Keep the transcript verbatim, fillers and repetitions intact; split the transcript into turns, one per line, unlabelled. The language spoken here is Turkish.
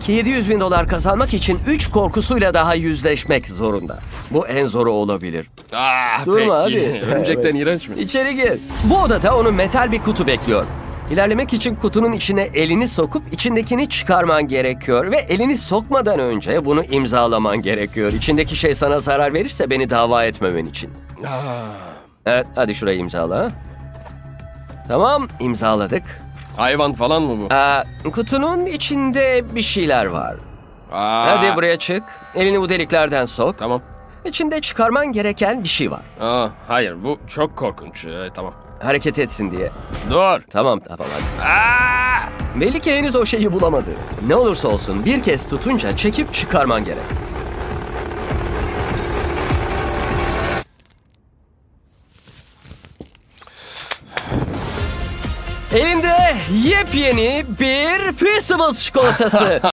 Jack yedi yüz bin dolar kazanmak için üç korkusuyla daha yüzleşmek zorunda. Bu en zoru olabilir.
Ah,
Durma,
peki.
hadi.
Örümcekten
Evet.
iğrenç mi?
İçeri gir. Bu odada onu metal bir kutu bekliyor. İlerlemek için kutunun içine elini sokup içindekini çıkarman gerekiyor. Ve elini sokmadan önce bunu imzalaman gerekiyor. İçindeki şey sana zarar verirse beni dava etmemen için.
Ah.
Evet, hadi şurayı imzala. Tamam, imzaladık.
Hayvan falan mı bu?
Aa, kutunun içinde bir şeyler var.
Aa.
Hadi buraya çık. Elini bu deliklerden sok.
Tamam.
İçinde çıkarman gereken bir şey var.
Aa, hayır bu çok korkunç. Ee, tamam.
Hareket etsin diye.
Dur.
Tamam, tamam hadi.
Aa!
Belli ki henüz o şeyi bulamadı. Ne olursa olsun bir kez tutunca çekip çıkarman gerek. Elinde yepyeni bir Peaceables çikolatası.